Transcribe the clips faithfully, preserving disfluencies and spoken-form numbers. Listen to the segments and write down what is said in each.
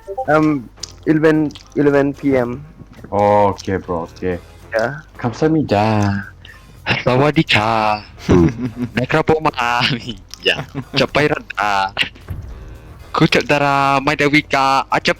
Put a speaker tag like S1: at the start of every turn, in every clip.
S1: Um, eleven, eleven p m.
S2: Okay, bro. Okay.
S1: Yeah.
S2: 감사합니다.
S3: สวัสดีค่ะนะครับผมอาอยากจะไปรันดาคุณจัดาราไม่ได้วิกาอาจจะไป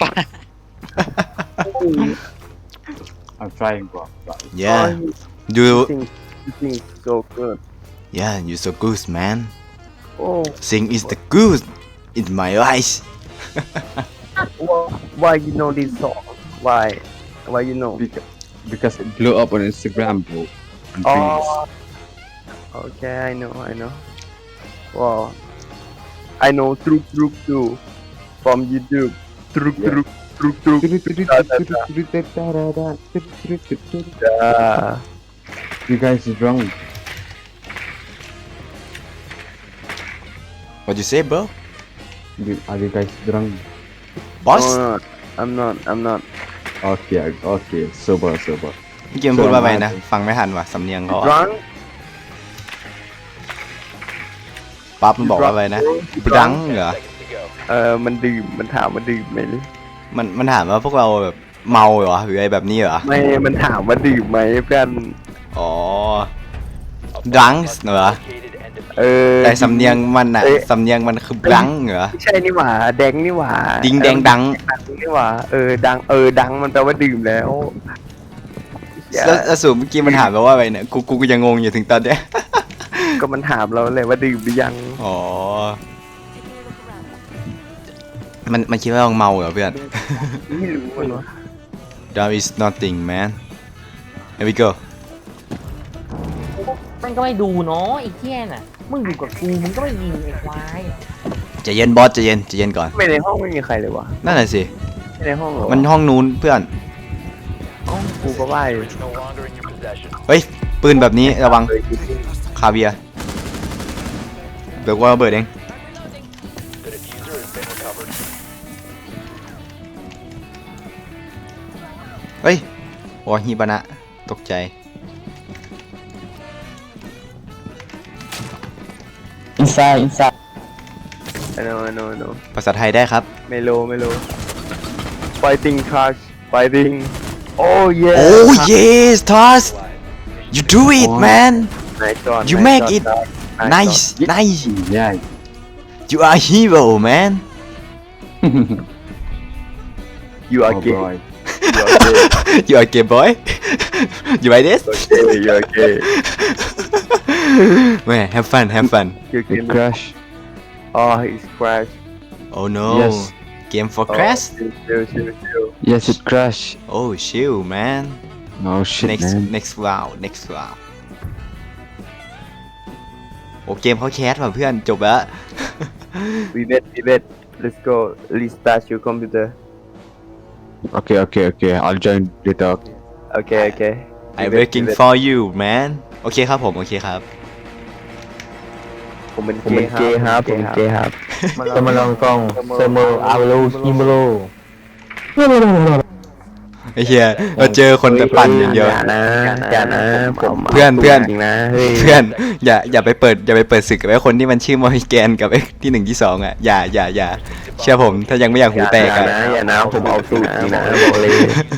S2: I'm trying, bro. Trying.
S4: Yeah.
S1: Oh, you,
S4: Do
S1: you think you think so good.
S4: yeah, you so good, man.
S1: Oh,
S4: Sing is the good in my eyes.
S1: wh- why you know this song? Why? Why you know?
S2: Because, because it blew up on Instagram, bro. And things.
S1: Oh, okay, I know, I know. Wow, I know Truk Truk too from YouTube. Truk
S2: Yeah.
S1: Truk Truk Truk. Yeah.
S2: You guys are drunk.
S4: What you say, bro?
S2: You- Are you guys drunk?
S4: Boss?
S1: No, no, I'm not. I'm not.
S2: Okay, okay. Sober, sober.
S4: พี่เกมพูดว่าไงนะ ฟังไม่ทันว่ะสำเนียงเขาอะ
S1: Drunk?
S4: ปั๊บมันบอกว่าอะไรนะบลังเหรอ
S1: เออมันดื่มมันถามว่าดื่มไหม
S4: มันมันถามว่าพวกเราแบบเมาเหรอหรืออะไรแบบนี้เหรอ
S1: ไม่มันถามว่าดื่มไหมเพื่อน
S4: อ๋อดรังเหรอ
S1: เออ
S4: แต่สำเนียงมันอะ
S1: เอ๊ะ
S4: สำเนียงมันคือบลังเหรอ
S1: ไม่ใช่นี่หว่าแดงนี่หว่า
S4: ดิงแดงดัง
S1: ดังนี่หว่าเออดังเออดังมันแปลว่าดื่มแล้ว
S4: แล้วแล้วสูเมื่อกี้มันถามเราว่าอะไรเนี่ยกูกูก็ยังงงอยู่ถึงตอนเนี้ย
S1: ก็มันถามเราเลยว่าดื่มหรือยัง
S4: อ๋อ มันมันคิดว่าเราเมาเหรอเพื่อน
S1: ไม่รู้มันวะ
S4: That is nothing man Here we go
S5: มันก็ไม่ดูเนาะไอ้เหี้ยน่ะ มึงอยู่กับกูมึงก็ไม่ยิงไอ้ควาย
S4: ใจะเย็นบอสใจะเย็นใจะเย็นก่อน
S1: ไม่ในห้องไม่มีใครเลยวะ
S4: นั่นแหละสิ
S1: ไม่ในห้องเหรอวะ
S4: มันห้องนู้นเพื่อน
S1: ห้องกูก็ว่าอยู่
S4: เฮ้ย ปืนแบบนี้ระวังคาเวียร์เดี๋ยวกูระเบิดเองเฮ้ยโอ้ฮิบานะตกใจ
S5: inside inside
S1: ไอ้โนไอ้โนไอ้โน
S4: ภาษาไทยได้ครับ
S1: ไม่รู้ไม่รู้ fighting crush fighting oh yeah
S4: Oh yes Toss you do it man
S1: nice shot
S4: You
S1: nice
S4: make
S1: shot,
S4: it
S1: Todd.
S4: nice nice
S2: Yeah.
S4: you are hero man
S1: you are
S2: Oh,
S1: gay
S2: boy.
S1: you are gay
S4: you are gay boy you like this
S1: okay you are gay
S4: man have fun have fun
S1: you
S2: It
S1: can
S2: crash.
S1: oh he's crash
S4: oh no
S2: Yes.
S4: game for
S1: oh,
S4: crash
S1: chill chill chill chill
S2: Yes, it crash.
S4: oh chill man
S2: No shit,
S4: next
S2: man.
S4: next round next round โอ้เกมเขาแคสว่ะเพื่อนจบแล้ว
S1: we bet we bet let's go restart your computer
S2: Okay, okay, okay. I'll join later.
S1: okay okay We
S4: I'm
S1: bet, we
S4: working
S1: bet.
S4: for you man โอเคครับผมโอเคครับ
S1: ผมเป็น
S6: ผมเป็นเกย์ครับผมเป็นเกย์ครับ
S1: จะ
S6: จะ
S1: มา
S6: มา
S1: ล
S6: ล
S1: อง
S6: องกล้องเซอร์โมอาโลฮิโมโล
S4: ไอ้เหี้ยเราเจอคนแต่ปั่นอย่างเดียว
S6: อย่านะอย่านะผม
S4: เพื่อนเพื่อน
S6: จริงนะเฮ้ย
S4: เพื่อนอย่าอย่าไปเปิดอย่าไปเปิดศึกกับไอ้คนที่มันชื่อมอริแกนกับไอ้ที่หนึ่งที่สองอ่ะอย่าอย่าอย่าเชื่อผมถ้ายังไม่อยากหูแตก
S6: อย่า
S4: อ่ะ
S6: นะอย่านะผมเอาสูตรจริงนะบอกเลย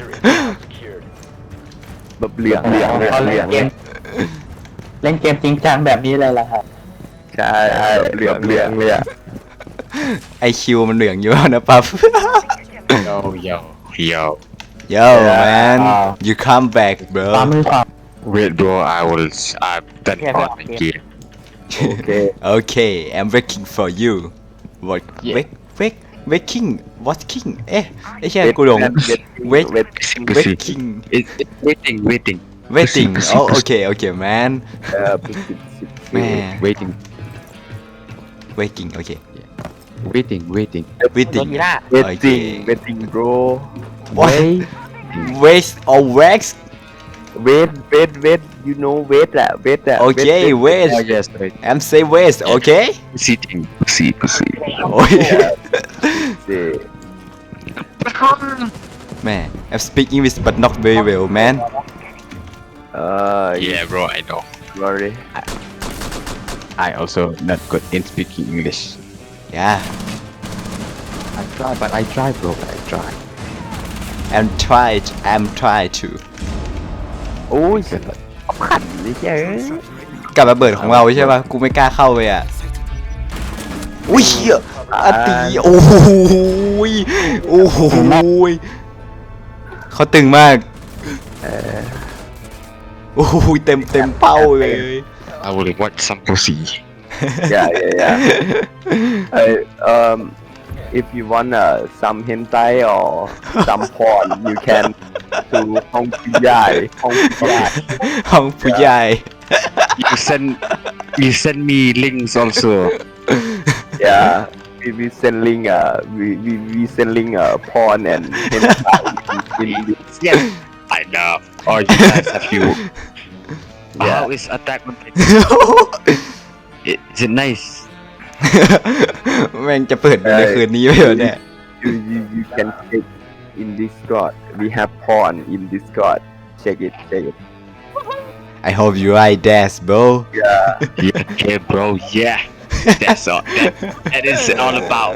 S1: แบบเหลือง
S6: เหลืองเหลืองเหลืองเล่นเกมจริงจังแบบนี้เลยล่ะครับ
S1: ใช่เหลืองเหลืองเลยอะ
S4: ไอคิวมันเหลืองอยู่แล้วนะปั๊บ
S3: yo yo yo
S4: Yo man you come back bro
S6: ตามมือขวา
S3: wait bro I will I'm done
S5: Yeah,
S3: for
S5: yeah.
S3: the game
S1: โอเค
S4: Okay I'm waiting for you what
S3: Yeah.
S4: wait wait waiting what king เอ๊ะไอ้เชี่ยกูหลง Wait.
S1: wait
S4: waiting
S3: it, it, waiting waiting
S4: waiting
S3: Pussy,
S4: oh
S3: pussy.
S4: okay okay man
S1: เอ่อปิดปิดปิด
S4: แม่
S3: waiting
S4: waiting okay
S2: Waiting, waiting.
S5: โดน
S4: waiting
S5: ทีล่า
S1: waiting waiting bro
S4: what waste or wax
S1: wait wait wait you know wait อะ wait อะ
S4: okay waste
S2: Oh, yes, wait.
S4: I'm say waste okay
S3: sitting pussy pussy
S4: โอ้ย
S1: wait
S4: man I'm speak English but not very well man
S1: เอ่อ
S3: yeah bro I know
S1: sorry
S2: I also not good in speaking English.
S4: yeah
S2: I try, but I try, bro. I
S3: try
S4: I'm try I'm try to
S1: โอ้ยขันนี่เจ้ย
S4: กับระเบิดของเราใช่ป่ะกูไม่กล้าเข้าไปอ่ะอุ้ยเหี้ยอาตีโอ้โหยโอ้โหยเขาตึงมาก
S1: เออ
S4: โอ้โหยเต็มเต็มเป้าเลย
S3: I will watch some pussy
S1: yeah yeah yeah Hey, um if you want uh, some hentai or some porn you can to Hong Piyai Hong Piyai
S4: ห้องผู้ใหญ่
S3: you send you send me links also
S1: yeah we we selling uh we we we selling uh porn and hentai in, in
S3: yes I know oh you guys have you
S1: Yeah.
S3: how is Attack on Titan It- is it nice
S4: แม่งจะเปิดดูในคืนนี้ไหมวะเนี่ย
S1: you you you can check in Discord we have porn in Discord check it check it
S4: I hope you like that bro
S1: yeah
S3: yeah okay bro yeah that's all that, that is all about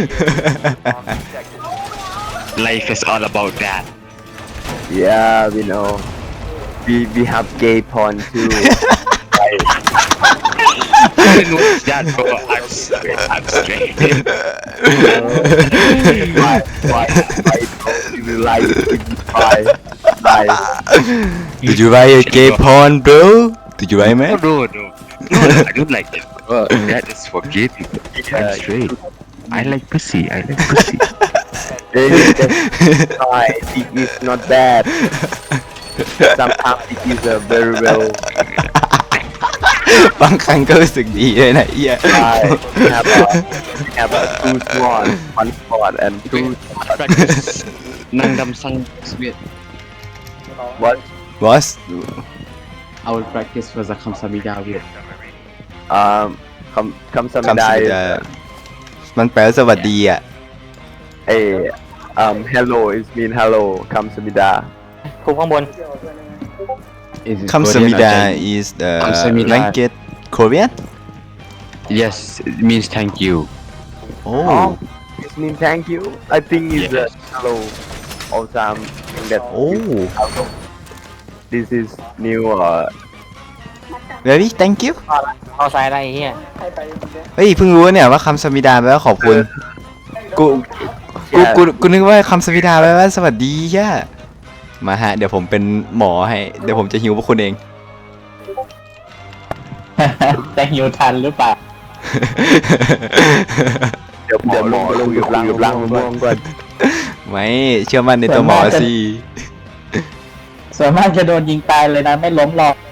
S3: life is all about that
S1: yeah we know we we have gay porn too Like,
S3: I didn't watch that bro I'm straight I'm straight
S1: why why why you will like it why why
S4: Did you like a gay porn bro Did you like
S3: no
S4: man
S3: no no no I don't like it bro that is for gay people I'm straight I like pussy I like pussy
S1: why it is not bad sometimes it is a very well
S4: บางครั้งก็รู้สึกดีเลยนะเอีย
S1: I have a have a two small one spot and two
S3: practice nang dam sang sweet
S1: what
S4: Boss
S2: I will practice for the Kamsamida with
S1: um คำคำสมิ
S4: คำ
S1: ดา
S4: สิจะมันแปลว่าสวัสดีอ่ะ
S1: เอ um hello is mean hello คำสมิดา
S5: คุมข้างบน
S2: Is it
S4: คำสมิ
S2: Korean or
S4: ดา
S2: Chinese?
S4: is the
S2: คำสมิดา
S4: language Korean
S3: yes it means thank you
S4: Oh
S1: it mean thank you I think is
S3: Yes.
S1: a hello all time think that
S4: Oh
S1: hello this is new uh
S4: very thank you
S5: เอาซ้ายได้ไอ้เฮีย
S4: เฮ้ยเพิ่งรู้เนี่ยว่าคำสมิดาแปลว่าขอบคุณ กู กู กู กูนึกว่าคำสมิดาแปลว่าสวัสดีแย่มาฮะ เดี๋ยวผมเป็นหมอให้ เดี๋ยวผมจะฮิวพวกคุณเอง
S6: จะหิวทันหรือเปล่า
S1: เดี๋ยวเดี๋ยวหมอลงอยู่ล่างอยู่ล่างม่วงก่อน
S4: ไม่เชื่อมั่นในตัวหมอสิ
S6: ส่วนมากจะโดนยิงตายเลยนะ ไม่ล้มหรอก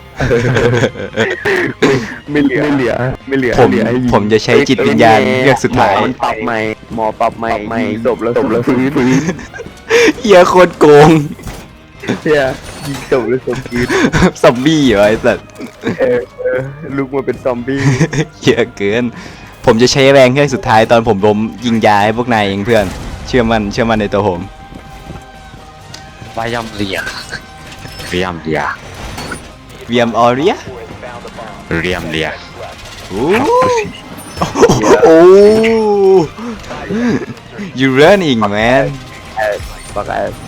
S1: ไม่เหลือไม่เหลือไม่เหลือ
S4: ผม ผมจะใช้จิตวิญญาณเลือกสุดท้าย
S1: หมอมันปรับใหม่หมอปรับใหม่ใหม่ศพแล้วศพแล้วฟื้นฟื้น
S4: เฮียโคตรโกง
S1: เฮียยิงศพแล้วศพฟื้น
S4: ซอมบี้เหรอไอ้สัส
S1: เออเออลุกมาเป็นซอมบี้
S4: เฮียเกิน ผมจะใช้แรงแค่สุดท้ายตอนผมล้มยิงยาให้พวกนายเองเพื่อน เชื่อมั่นเชื่อมั่นในตัวผม
S3: Vayam Lia Riam Lia
S4: เวียมออเรีย
S3: Riam Lia
S4: โอ้โอ้ you running man
S1: ฟักแอส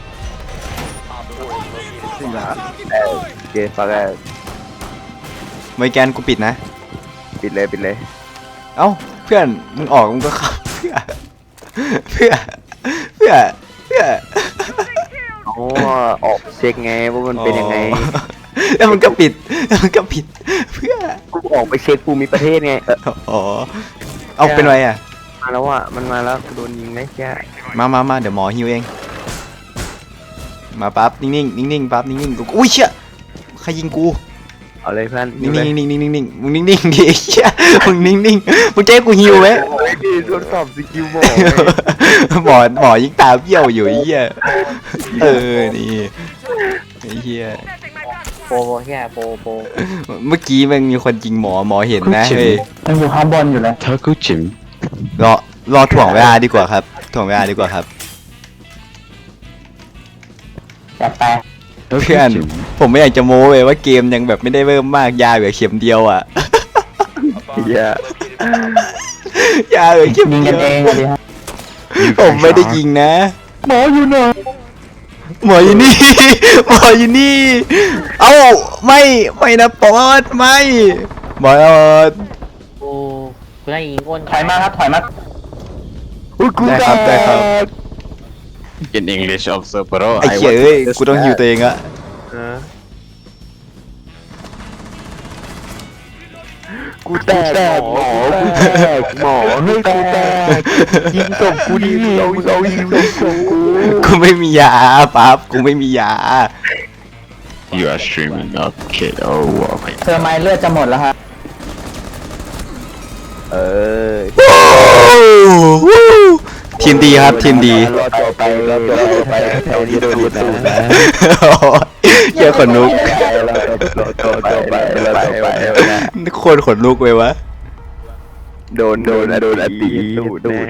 S1: เออโอเคฟักแอส
S4: ไม่แกนกูปิดนะ
S1: ปิดเลยปิดเลย
S4: เอ้าเพื่อนมึงออกมึงก็เข้าเพื่อเพื่อเพื่อเพื่อ
S1: อ๋อออกเช็คไงว่ามันเป็นยังไง
S4: แล้วมันก็ปิดแล้วมันก็ปิดเพื่อ
S1: กูออกไปเช็คภูมิประเทศไงเออ
S4: อ๋อเอาเป็นไรอ่ะ
S1: มาแล้วอ่ะมันมาแล้วกูโดนยิงไหมแค่
S4: มามามาเดี๋ยวหมอฮิวเอง มาปั๊บนิ่งๆนิ่งๆปั๊บนิ่งๆกูอุ้ยเชี่ยใครยิงกู
S1: เอาเลยเพื่อน
S4: นิ่งๆนิ่งๆนิ่งๆนิ่งๆมึงนิ่งๆดิเชี่ยมึงนิ่งๆมึงจะให้กูฮิวไหม
S1: โอ้ยดีทดสอบสกิลหมอ
S4: หมอหมอยิงตาเบี้ยวอยู่ไอ้เหี้ยเออนี่ไอ้เหี้ย
S5: โปรโปรเฮียโปรโปร
S4: เมื่อกี้มันมีคนยิงหมอหมอเห็นนะเฮ้ย
S6: มันอยู่ข้างบนอยู่เลย
S3: Takuchim
S4: รอรอถ่วงเวลาดีกว่าครับถ่วงเวลาดีกว่าครับ
S6: จัดไป
S4: เพื่อนผมไม่อยากจะโม้เลยว่าเกมยังแบบไม่ได้เริ่มมากยาเหลือเข็มเดียวอ่ะ
S1: เฮีย
S4: ยาเหลือเข็ม
S6: ยิง
S4: เดี
S6: กั
S4: ย
S6: น
S4: ว
S6: เองเลยฮะ
S4: ผมไม่ได้ยิงนะ
S6: หมออยู่ไหน
S4: หมออยู่นี่ หมออยู่นี่ เอ้าไม่ไม่นะปอดไม่บอด
S5: โอ้กูได้ยิงก้น
S6: ถอยมาครับถอยมา
S4: ได้ครับได้ครับ
S2: In English also, bro.
S4: ไอ้เหี้ยเอ้ยกูต้องฮิวตัวเองอะ
S1: เออกูแตกหมอกูแตกหมอให้กูแตกยิงศพกูดิเราเรายิงศพกู
S4: กูไม่มียาปั๊บกูไม่มียา
S2: You are streaming. Okay. Oh, wow. my
S6: เธอไม้เลือดจะหมดแล้วครับ
S1: เออ
S4: ทีมดีครับทีมดี
S1: รอต่อไปรอต่อไปแถวนี้โดนตูดนะ
S4: เหี้ยขนลุก
S1: รอต่อต่อต่อไปรอต่อไป
S4: โคตรขนลุกเลยวะ
S1: โดนโดนโดนอตีตูดแน่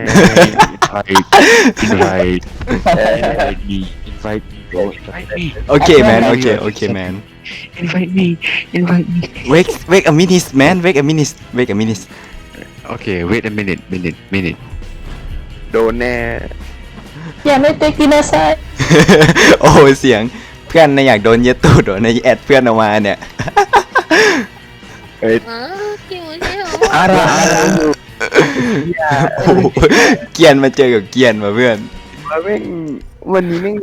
S3: invite invite me invite me bro invite me
S4: โอเคแมนโอเคโอเคแมน
S3: invite me invite me
S4: wake wake a minute man wake a minute wake a minute
S3: okay wait a minute minute minute
S1: โดนแน่
S6: อย่าไม่เตกินาไซ
S4: โอ้ยเสียงเพื่อนในอยากโดนเย็ดตูดเหรอในแอดเพื่อนออกมาเนี่ย
S1: เฮ้ย
S6: อะไรอะไร
S4: โอ้โหเกรียนมาเจอกับเกรียนมาเพื่อน
S1: แม่งวันนี้แม่ง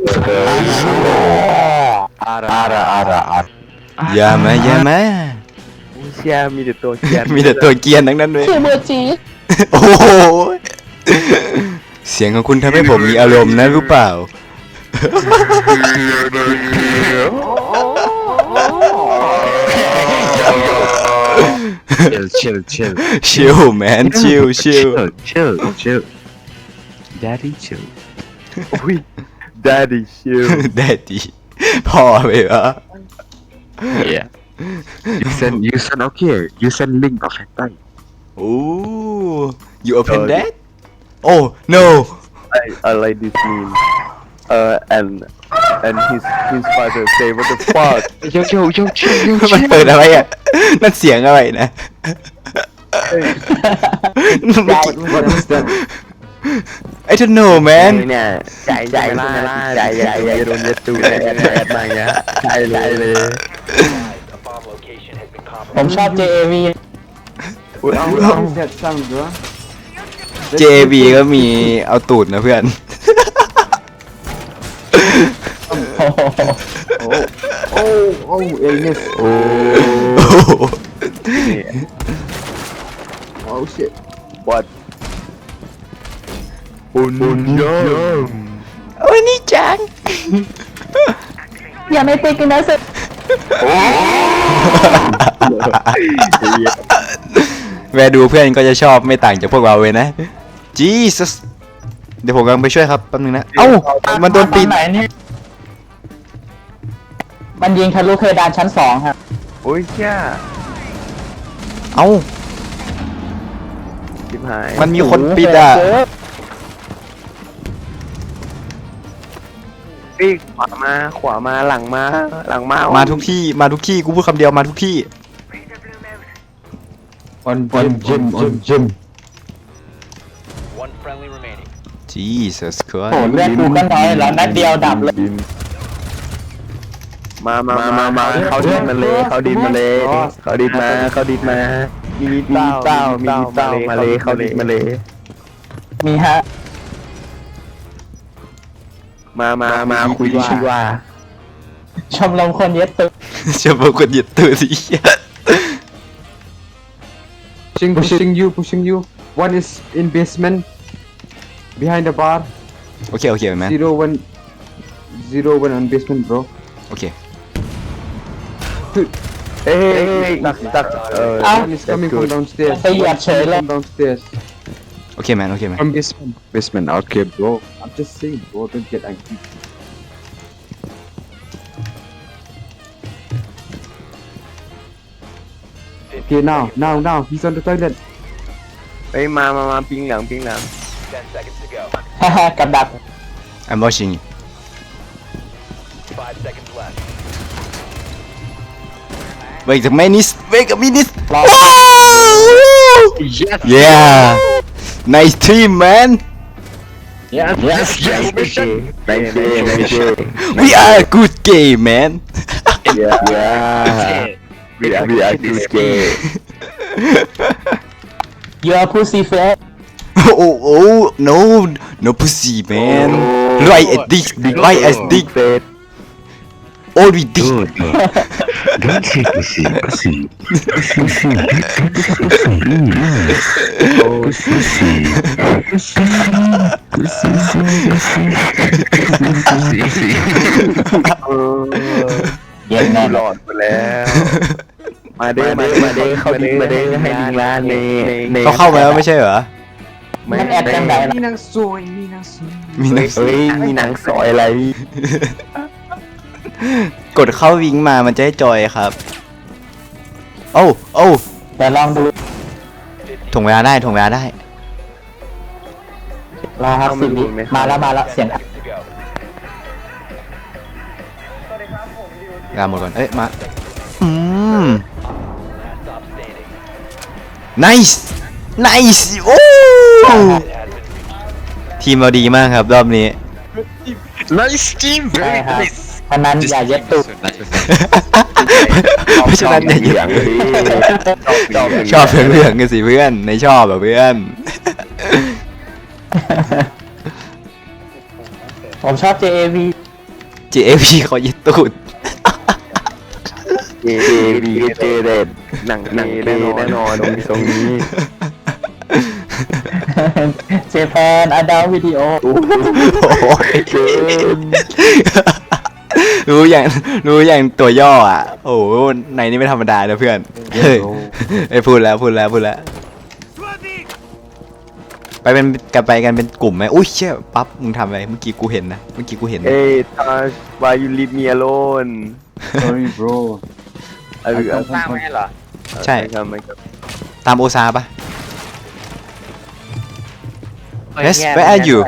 S2: Ara, ara, ara, ara.
S4: อย่ามาอย่ามา
S1: เชียมีแต่ตัวเกียน
S4: มีแต่ตัวเกรียนทั้งนั้นเลย
S6: คือเบอร์จี
S4: โอ้โหเสียงของคุณทำให้ผมมีอารมณ์นะรู้เปล่า
S3: chill chill chill
S4: ชิลแมนชิลชิล
S3: chill chill daddy chill
S1: อุ้ย daddy chill
S4: ได้ดีพ่อไปวะ
S3: yeah you send you send okay you send link of hentai
S4: โอ้ you open that oh no
S1: I I like this meme uh and and his his father say what the fuck
S3: yo yo yo chill yo
S4: มันเปิดอะไรอ่ะ นั่นเสียงอะไรนะ
S2: What is that?
S4: I don't know man
S1: เนี่ยใจใจไม่ล่าใจใจใจโดนเย็ดตูดแน่แน่มาเงี้ยใจเลยเลย
S6: ผมชอบ เจ เอ วี
S1: อุ้ยเอา
S2: What is that sound, bro?
S4: เจ บี ก็มีเอาตูดนะเพื่อน
S2: Oh, oh, oh, illness.
S1: โอ้
S4: โอ้โห
S2: Oh shit.
S1: what อุนอุนยม
S4: โอ้ยนี่จัง
S6: อย่าไม่เตกินาไซ
S4: แวะดูเพื่อนก็จะชอบไม่ต่างจากพวกเราเลยนะ Jesus เดี๋ยวผมกำลังไปช่วยครับแป๊บนึงนะ เอ้า มันโดนปีน
S6: ไหนเนี่ยมันยิงทะลุเพดานชั้นสองครับ
S1: โอ้ยเชี่ย
S4: เอ้า
S1: ชิบหาย
S4: มันมีคนปิดอ่ะ
S1: ปีกขวามาขวามาหลังมาหลังมา
S4: มาทุกที่ มาทุกที่ กูพูดคำเดียวมาทุกที่
S2: On gym, gym, on gym.
S4: Jesus
S6: โอ้
S4: Christ
S6: เลือดกูก็น้อยแล้วนัดเดียวดับเลย
S1: มามามามามาเขาดินมาเลยเขาดินมาเลยเขาดินมาเขาดินมามีเต้าเต้ามีเต้ามาเลยเขาดินมาเลย
S6: มีฮะ
S1: มามามาคุยชื่อว่า
S6: ชมรมคนเย็ดตึก
S4: จะบอกคนเหยียดตัวสิ
S2: Pushing, pushing you, pushing you. One is in basement, behind the bar.
S4: โอเค โอเคไหม
S2: Zero one, zero one on basement, bro.
S4: โอเค
S1: เอ้ยตักตักเออ
S2: One is coming from downstairs.
S6: ไปเหยียบเฉยเลย
S2: From downstairs.
S4: โอเคแมน โอเคแมน
S2: From basement. Basement. Okay, bro. I'm just saying, bro. Don't get angry. Okay, now, now, now. He's on the toilet.
S1: เอ้ยมามามาปิงหลังปิงหลัง
S6: ฮ่าฮ่ากับดัก
S4: I'm watching Wait a minute Wait a minute
S6: รอ
S3: yes
S4: Yeah Nice team man
S6: yes yes yes
S1: Thank you, thank you.
S4: We are a good game man
S1: Yeah, yeah. We are, we are too scared.
S6: you are pussy face
S4: oh oh no no pussy man right as dick right as dick
S1: Face.
S4: all we dick
S3: Don't say pussy, pussy.
S6: เย็นแน่
S1: หลอดไปแล้ว มาเด้อมาเด้อมาเด้อเข้าดิมาเด้อให้ดิงร้านในใน
S4: เขาเข้ามาแล้วไม่ใช่เหรอ
S6: มันแอดจังไดล่ะ
S2: มีนางสวยมีนางสวย
S4: มีนัก
S1: เฮ้ยมีหนังซอยอะไร
S4: กดเข้าวิงมามันจะให้จอยครับโอ้โอ้
S6: แต่ลองดู
S4: ถ่วงเวลาได้ถ่วงเวลาได้
S6: รอครับสิบวิมาแล้วมาแล้วเสียง
S4: เวลาหมดก่อนเอ้ยมาอืม nice nice โอ้ทีมเราดีมากครับรอบนี้
S3: Nice team,
S6: ใช่
S3: very
S6: ครับ
S3: nice.
S6: พนันอย่าเย็ดตุก
S4: เพราะฉะนั้นอย่า
S1: เหลืองดิชอบ
S4: ชอบเหลืองๆกันสิเพื่อนในชอบแบบเพื่อน
S6: ผมชอบ เจ เอ วี
S4: เจ เอ พี ขอยึดตูด
S1: เจเจดีเจเด็ดหนังหนังแน่นอนแน่นอนตรงนี้ตรงนี้
S6: เจแปนอดาวิดีโอ
S4: โอ้ยรู้อย่างรู้อย่างตัวย่ออ่ะ โอ้โหในนี้ไม่ธรรมดานะเพื่อนเฮ้ยไอ้ยพูดแล้วพูดแล้วพูดแล้ว ไปเป็นกันไปกันเป็นกลุ่มไหมอุ้ยเชี่ยปั๊บมึงทำอะไรเมื่อกี้กูเห็นนะเมื่อกี้กูเห็นนะ
S1: เอ้ยทัช why you leave me alone
S2: sorry bro
S1: เออเออ
S5: สร้างไว้ให้เหรอ
S4: ใช่
S1: ครับไม่ครับ
S4: ตามโอซาปะ
S5: เฮ้ย
S4: Yes
S5: แย่
S4: where are you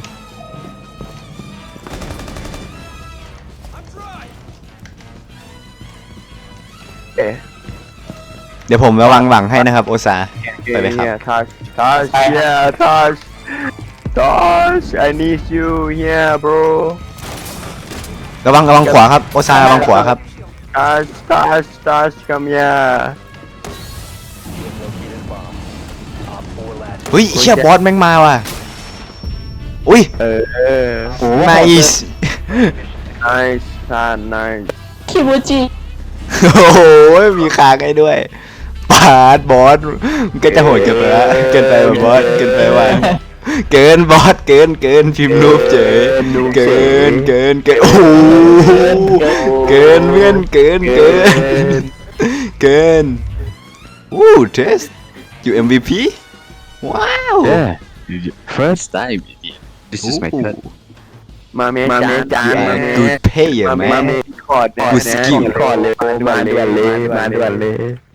S1: เอ๊ะ
S4: เดี๋ยวผมระวังหวังให้นะครับโอซา ไปไหมครับ
S1: เนี่ยทัชทัช yeah ทัชทัช I need you here bro
S4: ระวังระวังขวาครับโอซาระวังขวาครับ
S1: ทัชทัชทัช come here
S4: เฮ้ยเชี่ยบอสแม่งมาว่ะอุ้ย
S1: เออเออ
S4: nice
S1: nice ท่าน nice
S6: คิมูจิ
S4: โอ้โหมีคางให้ด้วยปาดบอสมันก็จะโหดเกินไปละเกินไปว่ะบอสเกินไปว่ะเกินบอสเกินเกินพิมพ์รูปเฉยเกินเกินเกินโอ้โหเกินเพื่อนเกินเกินเกินอู้เทสอยู่ เอ็ม วี พี ว้าว
S3: Yeah, first time. This is my third.
S1: มาเมจานจานมาเม
S4: good player
S1: มา
S4: man
S1: เมคอร์ด
S4: Good skill
S1: คอร์ดเลยมาด่วนเลยมาด่วนเลย